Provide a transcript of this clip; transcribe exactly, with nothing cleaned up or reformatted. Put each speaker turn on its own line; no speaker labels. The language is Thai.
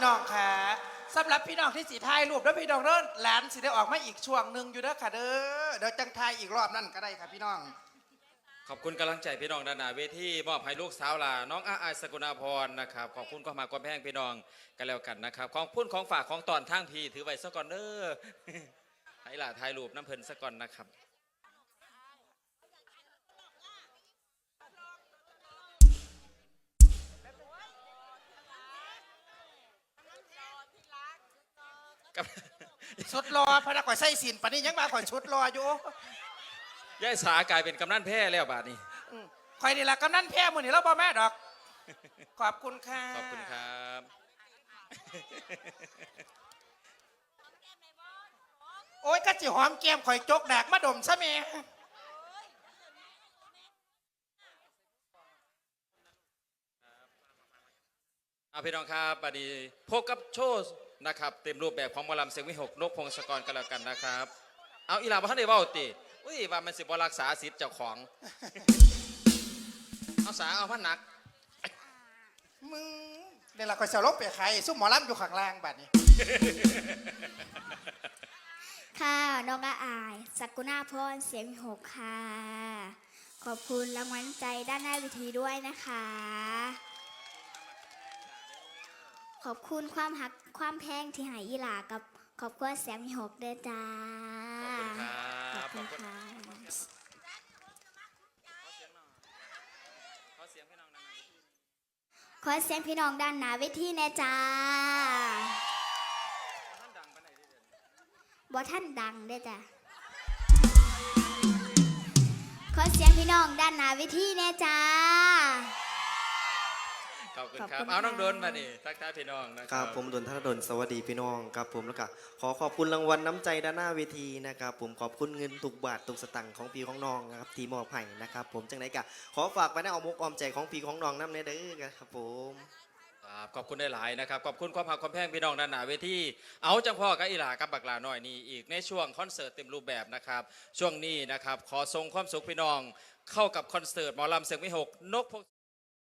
น้องค่ะสำหรับพี่น้องที่สีถ่ายรูปแล้วพี่น้องเด้อหลานสิได้ออกมาอีกช่วงหนึ่งอยู่เด้อค่ะเด้อเดี๋ยวจังถ่ายอีกรอบนั่นก็ได้ค่ะพี่น้อง
ขอบคุณกำลังใจพี่น้องด้านหน้าเวทีมอบให้ลูกสาวลาน้องอาอายสกุณาพรนะครับขอบคุณก็มากวามแพงพี่น้องกันแล้วกันนะครับของพุ่นของฝากของตอนทางพี่ถือไว้ซะก่อนเด้อ ให้หล่าถ่ายรูปน้ำเพลินซะก่อนนะครับ
ชุดรอพนักข่อยใส่สินปานนี้ยังมาข่อยชุดรออยู่
ย่ายสากลายเป็นกำนันแพ้แล้วบาดนี้
ข่อยนี่แหละกำนันแพ้มือนี่แล้วบ่แม่ดอกขอบคุณค่ะ
ขอบคุณครับ
โอ้ยก็จิหอมแก้มข่อยจกดากมาดมซะแม่
เอาพี่น้องครับบัดนี้พบกับโชว์นะครับเต็มรูปแบบของหมอลำเสียงวิหกนกพงศกรกันแล้วกันนะครับเอาอีหลาบ่ทันได้เว้าติอุ้ยว่ามันสิบ่รักษาสิทธิ์เจ้าของ เอาสาเอาพันหนัก
มึงเดี๋ยวเราข่อยจะลบไปใครซุ่มหมอลำอยู่ข้างล่างบัดนี้
ค่ะน้องอาอายสกุณาพรเสียงหกค่ะขอบคุณรางวัลใจด้านหน้าเวทีด้วยนะคะขอบคุณความหักความแพงที่ใหายอีหลากับขอบคุณเสียงหกเด้อจ้า
ขอบคุณค
ขอบคุณค่ะขอเสียงพี่น้องด้านหน้าเวทีแน่จ้าบ่ท่านดังได้จ้ะขอเสียงพี่น้องด้านหน้าเวทีแน่จ้า
ขอบคุณครับเอาน้องโดนมาดิทักทายพี่น้องนะค
รับผมดนธนดลสวัสดีพี่น้องครับผมแล้วก็ขอขอบคุณรางวัลน้ำใจด้านหน้าเวทีนะครับผมขอบคุณเงินทุกบาททุกสตังค์ของพี่ของน้องนะครับทีมอบให้นะครับผมจังไรกะขอฝากไปในอ้อมอกอ้อมใจของพี่ของน้องน้ำเนเด้อครับผม
ขอบคุณได้หลายนะครับขอบคุณความหักความแพงพี่น้องด้านหน้าเวทีเอาจังพ่อกับอีหลากับบักหลาหน่อยนี่อีกในช่วงคอนเสิร์ตเต็มรูปแบบนะครับช่วงนี้นะครับขอส่งความสุขพี่น้องเข้ากับคอนเสิร์ตหมอลำเสียงวิหกนกพง